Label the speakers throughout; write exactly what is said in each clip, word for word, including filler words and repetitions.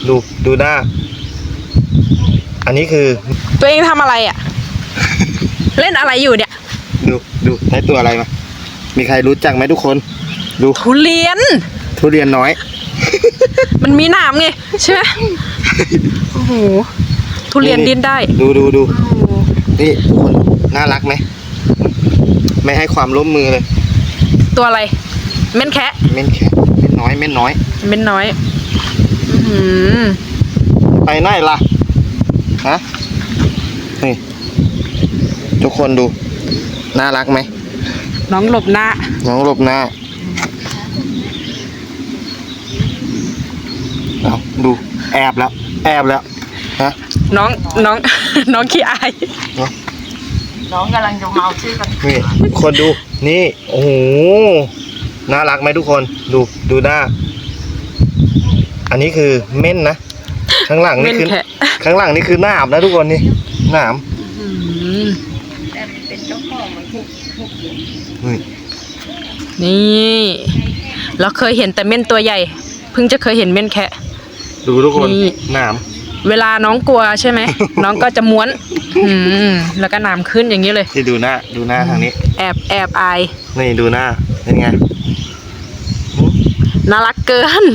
Speaker 1: ดูดูหน้าอันนี้คือ
Speaker 2: ตัวเองทำอะไรอ่ะ เล่นอะไรอยู่เนี่ย
Speaker 1: ดูดูได้ตัวอะไรมามีใครรู้จักไหมทุกคนดู
Speaker 2: ทุเรียน
Speaker 1: ทุเรียนน้อย
Speaker 2: มันมีหนามไงใช่ไหมโอ้โหทุเรียนดิ้นได้
Speaker 1: ดูดูดูนี่ทุกคนน่ารักไหมไม่ให้ความร่วมมือเลย
Speaker 2: ตัวอะไรเม่นแคะ
Speaker 1: เม่นแคะเม่นน้อยเม่นน้อย
Speaker 2: เม่นน้อยอืม
Speaker 1: ไปไหนล่ะฮะนี่ทุกคนดูน่ารักไหม
Speaker 2: น้องหลบหน้า
Speaker 1: น้องหลบหน้าเอาดูแอบแล้วแอบแล้วฮะ
Speaker 2: น้องน้องน้องขี้อาย
Speaker 3: น้องกำลังจะเมาชื่อกัน
Speaker 1: นี่คนดูนี่โอ้โหน่ารักไหมทุกคนดูดูหน้าอันนี้คือเม่นนะข้างหลังนี่คือข้างหลังนี่คือหนามนะทุกคนนี่หนาม
Speaker 3: แต่เป็นเจ้าของมันทุกทุก
Speaker 1: นี่
Speaker 2: นี่เราเคยเห็นแต่เม่นตัวใหญ่เพิ่งจะเคยเห็นเม่นแคะ
Speaker 1: ดูทุกคนหนาม
Speaker 2: เวลาน้องกลัวใช่ไหม น้องก็จะม้วนอืมแล้วก็น้ำขึ้นอย่างนี้เลย
Speaker 1: ที่ดูหน้าดูหน้าทางนี้
Speaker 2: แอบแอบอาย
Speaker 1: นี่ดูหน้าเป็นไง
Speaker 2: น่ารักเกิน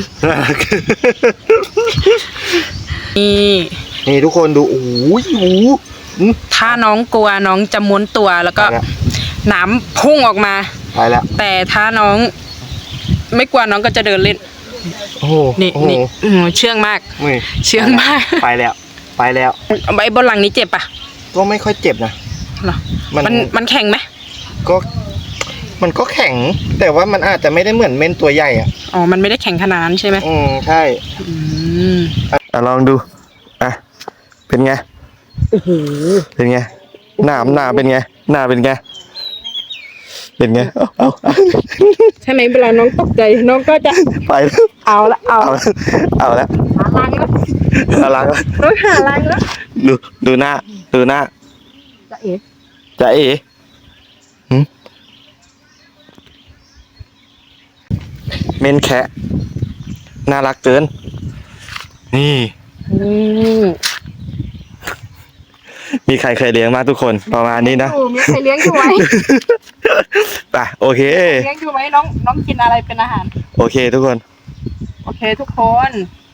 Speaker 2: นี่
Speaker 1: นี่ทุกคนดูโอ้ยโอ้
Speaker 2: ถ้าน้องกลัวน้องจะม้วนตัวแล้วก็น้ำพุ่งออกมา
Speaker 1: ไปแล้ว
Speaker 2: แต่ถ้าน้องไม่กลัวน้องก็จะเดินเล่น
Speaker 1: โอ้
Speaker 2: นี่นี่เชื่องมากเชื่องมาก
Speaker 1: ไปแล้วไปแล้ว
Speaker 2: ไอ้บนหลังนี้เจ็บปะ
Speaker 1: ก็ไม่ค่อยเจ็บนะ
Speaker 2: หรอมันมันแข็งไหม
Speaker 1: ก็มันก็แข็งแต่ว่ามันอาจจะไม่ได้เหมือนเม่นตัวใหญ่อ่ะ
Speaker 2: อ๋อมันไม่ได้แข็งขนาดนั้นใช่ไหม
Speaker 1: อืมใช่
Speaker 2: อืม
Speaker 1: อ่ะลองดูอ่ะเป็นไง
Speaker 2: โอ้โห
Speaker 1: เป็นไงหนามหนาเป็นไงหนาเป็นไงเป็นไงเอาเอา
Speaker 2: ใช่ไหมเวลาน้องตกใจน้องก็จะ
Speaker 1: ไป
Speaker 2: เอาละเอา
Speaker 1: เอาแล้ว
Speaker 2: หาลังแล้ว
Speaker 1: หาลังแล้ว
Speaker 2: น้องหาลังแล้ว
Speaker 1: ดูดูหน้าดูหน้า
Speaker 2: จะเอ๋
Speaker 1: จะเอ๋เม่นแคะน่ารักเกินนี่มีใครเคยเลี้ยงมากทุกคนประมาณนี้นะ
Speaker 2: มีใครเลี้ยงอยู่ไหม
Speaker 1: ป่ะโอเค
Speaker 2: เลี้ยงอยู่ไหมน้องน้องกินอะไรเป็นอาหาร
Speaker 1: โอเคทุกคน
Speaker 2: โอเคทุกคน